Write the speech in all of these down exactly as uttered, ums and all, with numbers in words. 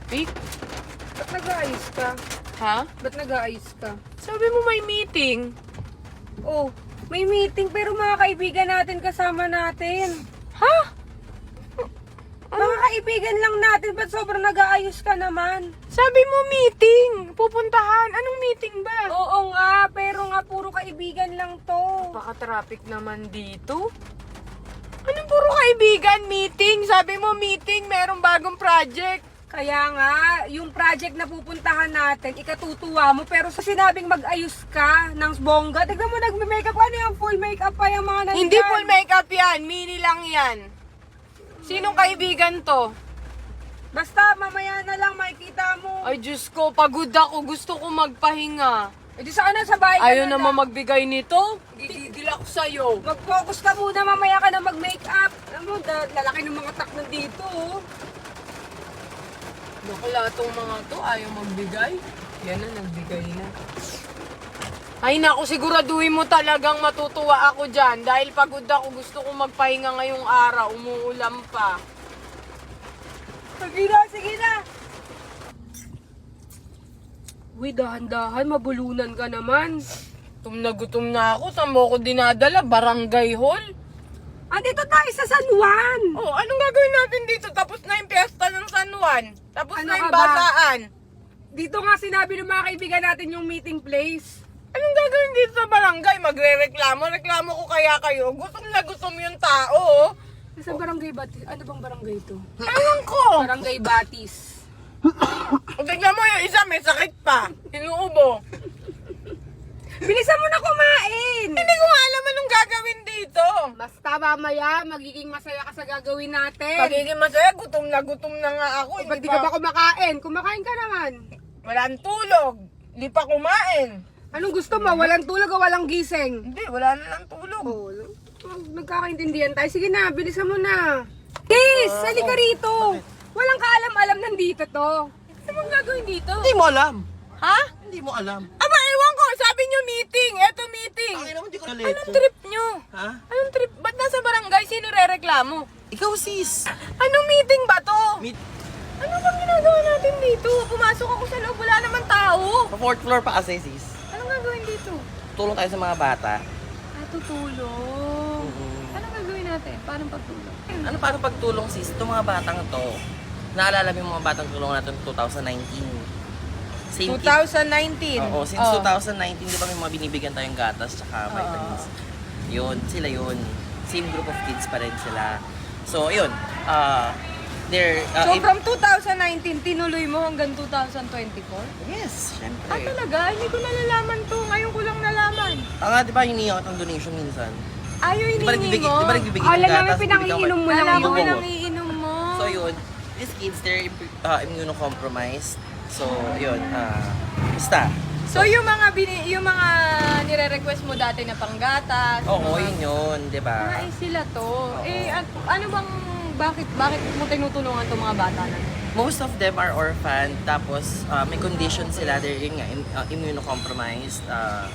traffic. Ba't nag-aayos ka? Ha? Ba't nag-aayos ka? Sabi mo may meeting. Oh, may meeting pero mga kaibigan natin kasama natin. Ha? Mga kaibigan lang natin, ba't sobrang nag-aayos ka naman? Sabi mo meeting. Pupuntahan. Anong meeting ba? Oo nga, pero nga puro kaibigan lang to. Baka-traffic naman dito. Anong puro kaibigan? Meeting. Sabi mo meeting. Merong bagong project. Kaya nga, yung project na pupuntahan natin, ikatutuwa mo, pero sa sinabing mag-ayos ka ng bongga, tignan mo nagme-makeup, ano yung full makeup pa yung mga nandyan? Hindi full makeup yan. Mini lang yan. Sinong kaibigan to? Basta, mamaya na lang makikita mo. Ay, Diyos ko. Pagod ako. Gusto ko magpahinga. E di sana sa bahay ka Ayaw na naman lang. magbigay nito. Gigigil ako sa'yo. Mag-focus ka muna, mamaya ka na mag-makeup. Alam mo, da- lalaki ng mga tak nandito, oh. Bakla tong mga to, ayaw magbigay. Yan na, nagbigay na. Ay naku, siguraduhin mo talagang matutuwa ako dyan. Dahil pagod ako, gusto ko magpahinga ngayong araw. Umuulam pa. Sige na, sige na. Uy, dahan-dahan, mabulunan ka naman. Gutom na gutom na ako. Saan mo ako dinadala? Barangay Hall? Andito tayo sa San Juan. Oh, anong gagawin natin dito? Tapos na yung piyesta ng San Juan. Tapos Ano na yung ka ba? basaan. Dito nga sinabi ng mga kaibigan natin yung meeting place. Anong gagawin dito sa barangay? Magre-reklamo? Reklamo ko kaya kayo? Gutom na gutom yung tao. oh. Sa barangay Batis. Ano bang barangay ito? Ewan ko. Barangay Batis. O, tignan mo yung isa, may sakit pa. Inuubo. Bilisan mo na kumain! Hindi ko nga alam anong gagawin dito. Basta mamaya, magiging masaya ka sa gagawin natin. Pagiging masaya, gutom na gutom na nga ako. Eh, ba't di ka ba kumakain? Kumakain ka naman. Walang tulog. Hindi pa kumain. Anong gusto mo? Walang tulog o walang gising? Hindi, wala na lang tulog. Oh, nagkakaintindihan tayo. Sige na, bilisan mo na. Kiss! Ah, Halika oh. rito! Walang kaalam-alam nandito to. Ano bang gagawin dito? Hindi mo alam. Ha? Hindi mo alam. Aba, ewan ko. Sabi nyo meeting. Eto meeting. Ang ina mo, hindi ko Anong nalito. trip nyo? Ha? Anong trip? Ba't nasa barangay? Sino re-reklamo? Ikaw sis. Anong meeting ba to? Meet. Ano bang ginagawa natin dito? Pumasok ako sa loob, wala naman tao. Sa fourth floor pa kasi sis. Anong gagawin dito? Tulong tayo sa mga bata. Ah, tutulong. Mhm. Anong gagawin natin? Paano pagtulong? Ano paano pagtulong sis? Itong mga batang to. Naalala mo yung mga batang tulong natin twenty nineteen. Same kid. twenty nineteen. Oo, since Oh. twenty nineteen, di ba may mga binibigyan tayong gatas tsaka vitamins. Yun, sila yun. Same group of kids pa rin sila. So, yun. Ah, they're... ah, So in- from twenty nineteen, tinuloy mo hanggang twenty twenty-four? Yes, syempre. Ah, talaga? Hindi ko nalalaman to. Ngayon ko lang nalaman. Tanga, di ba hiningi ako ng donation minsan? Ayaw Di ba hiningi nagbibigay, mo? di ba nagbibigay Alam ng namin gatas? pinangiinom mo lang Alam ko yun. pinangiinom mo. So yun, these kids, they're uh, immunocompromised. So yun, ah, basta. So yung mga bini, yung mga nire-request mo dati na panggatas. Oo, mga- yun yun, di ba? Ah, eh, sila to. Eh, at, ano bang, bakit, bakit mo tinutulungan tong mga bata na? Most of them are orphan, tapos ah, may condition sila, they're yun nga, im- ah, immunocompromised. Uh,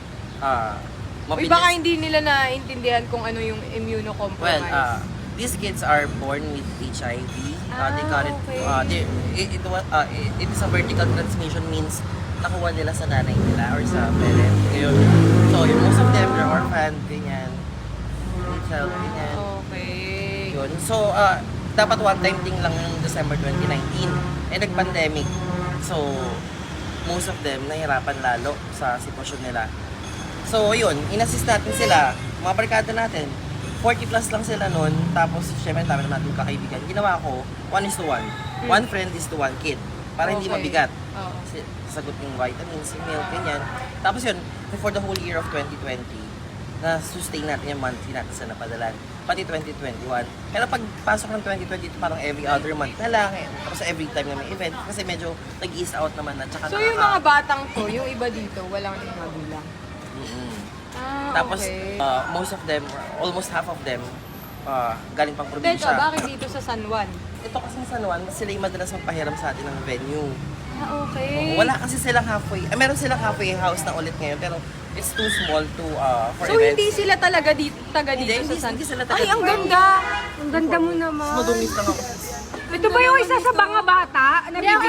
uh, Uy, baka hindi nila naiintindihan kung ano yung Well, immunocompromise. uh, these kids are born with H I V. Uh, they Ah, got it. okay. Uh, they, it, it, wa- uh, it, it is a vertical transmission, means nakuha nila sa nanay nila or sa parent. Ngayon, so yung most of them are orphan, ganyan. Child, ganyan. Okay. Yun. So, uh, dapat one time thing lang yung December twenty nineteen. Eh, nag-pandemic. So, most of them nahirapan lalo sa sitwasyon nila. So, yun. In-assist natin sila. Mga barkada natin. forty plus lang sila nun. Tapos, syempre, dami naman natin kakaibigan. Ginawa ko, one is to one. One friend is to one kid. Para hindi Okay. mabigat. Oo. Kasi sagot yung vitamins, yung milk, ganyan. Tapos yun, for the whole year of twenty twenty, na-sustain natin yung monthly natin sa napadalan. Pati twenty twenty-one. Kaya pagpasok ng twenty twenty-two, parang every other month na lang. Eh. Tapos every time na may event. Kasi medyo nag-ease out naman na. Tsaka So yung mga batang to, yung iba dito, walang magulang. Mm-mm. Ah, Tapos, okay. uh, most of them, almost half of them, uh, galing pang Teka, probinsya. bakit dito sa San Juan? Ito kasi sa San Juan, sila yung madalas magpahiram sa atin ng venue. Ah, okay. Oo, wala kasi silang halfway, eh, meron silang halfway house na ulit ngayon, pero it's too small to, uh, for So events. hindi sila talaga dito, taga dito Hindi, sa hindi- San hindi sila taga Ay, ang dito. ganda! Ang ganda mo naman. Madungis lang ako. Ito ba yung isa sa mga bata na Hindi, okay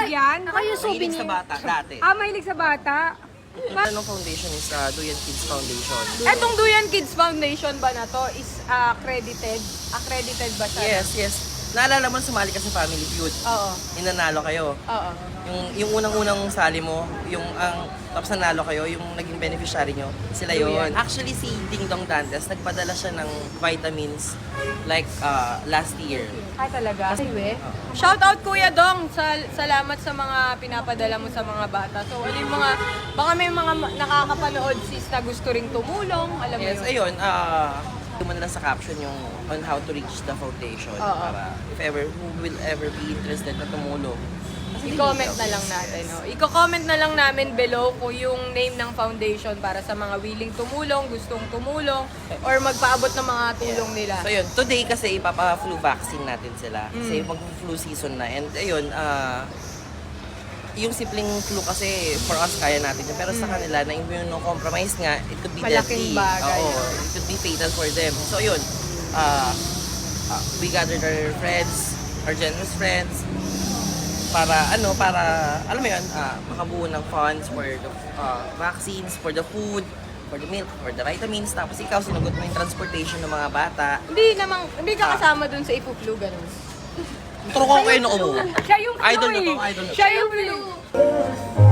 Mahilig sa bata, dati. Ah, mahilig sa bata. Anong foundation is uh, Duyan Kids Foundation. Etong Duyan Kids Foundation ba na to is uh, accredited? Accredited ba siya? Yes, yes. Naalala mo, sumali ka sa Family Feud. Oo. Inanalo kayo. Oo. Yung, yung unang-unang sali mo, yung ang tapos nanalo kayo, yung naging beneficiary nyo, sila yon. Actually, si Ding Dong Dantes, nagpadala siya ng vitamins like uh, last year. Ay talaga? Shout out Kuya Dong! Sal salamat sa mga pinapadala mo sa mga bata. So ano yung mga, baka may mga ma- nakakapanood sis na gusto ring tumulong, alam mo Yes, yun? ayun, ah, uh, na sa caption yung on how to reach the foundation Oo. para if ever, who will ever be interested na tumulong. I-comment na lang natin. Oh. I-comment na lang namin below kung yung name ng foundation para sa mga willing tumulong, gustong tumulong, or magpaabot ng mga tulong nila. So yun, today kasi ipapa-flu vaccine natin sila. Kasi Mm. mag-flu season na. And ayun, ah, yung simpleng flu kasi for us kaya natin yun. Pero sa kanila na immunocompromised nga, it could be Mm. Malaking deadly. bagay. Oo, it could be fatal for them. So yun, ah, ah, we gathered our friends, our generous friends, para ano, para alam mo yun, ah, makabuo ng funds for the ah, vaccines, for the food, for the milk, for the vitamins. Tapos ikaw, sinagot mo yung transportation ng mga bata. Hindi namang, hindi ka kasama dun sa ipu-flu, ganun. Turo ko kayo noo mo. Siya yung Idol flu na to, eh. idol na to. Siya yung flu.